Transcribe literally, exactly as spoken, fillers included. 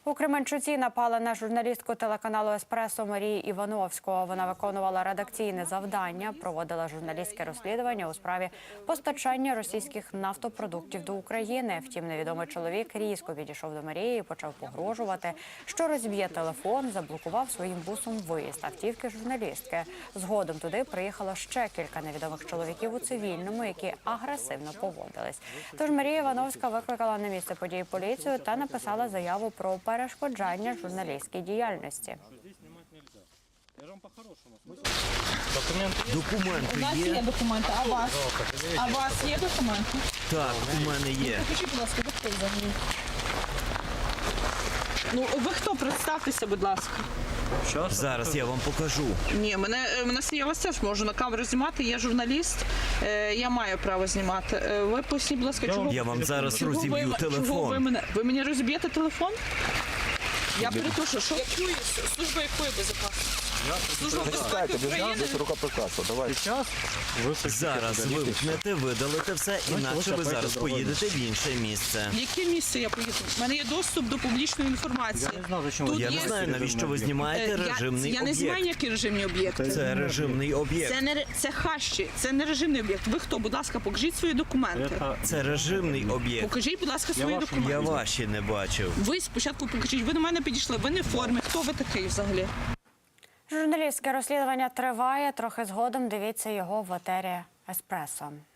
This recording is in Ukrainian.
У Кременчуці напали на журналістку телеканалу «Еспресо» Марію Івановську. Вона виконувала редакційне завдання, проводила журналістське розслідування у справі постачання російських нафтопродуктів до України. Втім, невідомий чоловік різко підійшов до Марії і почав погрожувати, що розб'є телефон, заблокував своїм бусом виїзд автівки журналістки. Згодом туди приїхало ще кілька невідомих чоловіків у цивільному, які агресивно поводились. Тож Марія Івановська викликала на місце події поліцію та написала заяву про перешкоджання журналістській діяльності. Документи У нас є? є документи, а у вас? А у вас є документи? Так, у мене є. Покажіть, будь ласка, ви хто взагалі? Ну, ви хто? Представтеся, будь ласка. Зараз я вам покажу. Ні, мене, мене я вас теж можу на камеру знімати, я журналіст, е, я маю право знімати. Е, ви поясніть, будь ласка, чого, Я вам зараз чого розіб'ю ви, чого ви телефон. мене, ви мені розіб'єте телефон? Я перепрошую, що? Якої, служба якої безпеки? Служба безпеки України? Рукоприкладство, давай. Зараз вимкнете, видалите все, інакше ви зараз поїдете в інше місце. В яке місце я поїду? У мене є доступ до публічної інформації. Тут Я є- не знаю, навіщо ви знімаєте Е, режимний я, я не знаю, об'єкт. які режимні об'єкти. Це режимний об'єкт. Це не ре- це хащі, це не режимний об'єкт. Ви хто? Будь ласка, покажіть свої документи. Це режимний об'єкт. Покажіть, будь ласка, свої Я документи. ваші не бачив. Ви спочатку покажіть. Ви до мене підійшли. Ви не в формі. Хто ви такий взагалі? Журналістське розслідування триває. Трохи згодом дивіться його в етері «Еспресо».